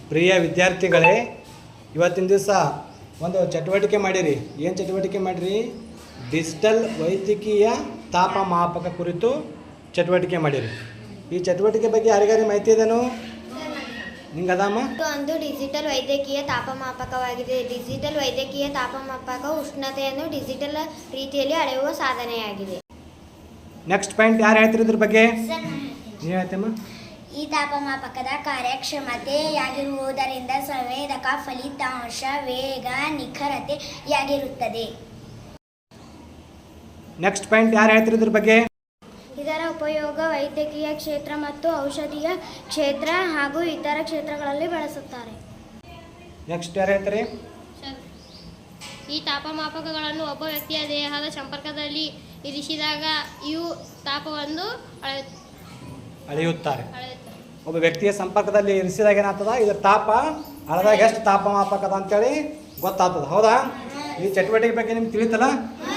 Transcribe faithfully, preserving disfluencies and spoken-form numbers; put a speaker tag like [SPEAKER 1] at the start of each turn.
[SPEAKER 1] ಪ್ರಿಯ ವಿದ್ಯಾರ್ಥಿಗಳೇ, ಇವತ್ತಿನ ದಿವಸ ಒಂದು ಚಟುವಟಿಕೆ ಮಾಡಿರಿ. ಏನು ಚಟುವಟಿಕೆ ಮಾಡಿರಿ? ಡಿಜಿಟಲ್ ವೈದ್ಯಕೀಯ ತಾಪಮಾಪಕ ಕುರಿತು ಚಟುವಟಿಕೆ ಮಾಡಿರಿ. ಈ ಚಟುವಟಿಕೆ ಬಗ್ಗೆ ಯಾರಿಗಾರಿ ಮಾಹಿತಿ ಇದೆನೋ? ನಿಂಗೆ ಅದಮ್ಮ?
[SPEAKER 2] ಒಂದು ಡಿಜಿಟಲ್ ವೈದ್ಯಕೀಯ ತಾಪಮಾಪಕವಾಗಿದೆ. ಡಿಜಿಟಲ್ ವೈದ್ಯಕೀಯ ತಾಪಮಾಪಕ ಉಷ್ಣತೆಯನ್ನು ಡಿಜಿಟಲ್ ರೀತಿಯಲ್ಲಿ ಅಳೆಯುವ ಸಾಧನೆಯಾಗಿದೆ.
[SPEAKER 1] ನೆಕ್ಸ್ಟ್ ಪಾಯಿಂಟ್ ಯಾರು ಹೇಳ್ತೀರಿ ಇದ್ರ ಬಗ್ಗೆ? ನೀವು ಹೇಳ್ತೇಮ್ಮ.
[SPEAKER 3] ಈ ತಾಪಮಾಪಕದ ಕಾರ್ಯಕ್ಷಮತೆಯಾಗಿರುವುದರಿಂದ ಸಂವೇದಕ ಫಲಿತಾಂಶ ವೇಗ ನಿಖರತೆಯಾಗಿರುತ್ತದೆ.
[SPEAKER 1] ನೆಕ್ಸ್ಟ್ ಪಾಯಿಂಟ್ ಯಾರು ಹೇಳ್ತೀರಿ ಇದ್ರ ಬಗ್ಗೆ?
[SPEAKER 2] ಇದರ ಉಪಯೋಗ ವೈದ್ಯಕೀಯ ಕ್ಷೇತ್ರ ಮತ್ತು ಔಷಧೀಯ ಕ್ಷೇತ್ರ ಹಾಗೂ ಇತರ ಕ್ಷೇತ್ರಗಳಲ್ಲಿ ಬಳಸುತ್ತಾರೆ.
[SPEAKER 1] ನೆಕ್ಸ್ಟ್ ಯಾರು ಹೇಳ್ತಾರೆ?
[SPEAKER 4] ಈ ತಾಪಮಾಪಕಗಳನ್ನು ಒಬ್ಬ ವ್ಯಕ್ತಿಯ ದೇಹದ ಸಂಪರ್ಕದಲ್ಲಿ ಇರಿಸಿದಾಗ ಇವು ತಾಪವನ್ನು
[SPEAKER 1] ಅಳೆಯುತ್ತಾರೆ. ಒಬ್ಬ ವ್ಯಕ್ತಿಯ ಸಂಪರ್ಕದಲ್ಲಿ ಇರಿಸಿದಾಗ ಏನಾಗ್ತದ? ಇದರ ತಾಪ ಅಳದಾಗ ಎಷ್ಟು ತಾಪಮಾಪಕದ ಅಂತೇಳಿ ಗೊತ್ತಾಗ್ತದ. ಹೌದಾ? ಈ ಚಟುವಟಿಕೆ ಬಗ್ಗೆ ನಿಮ್ಗೆ ತಿಳಿತಲ್ಲ?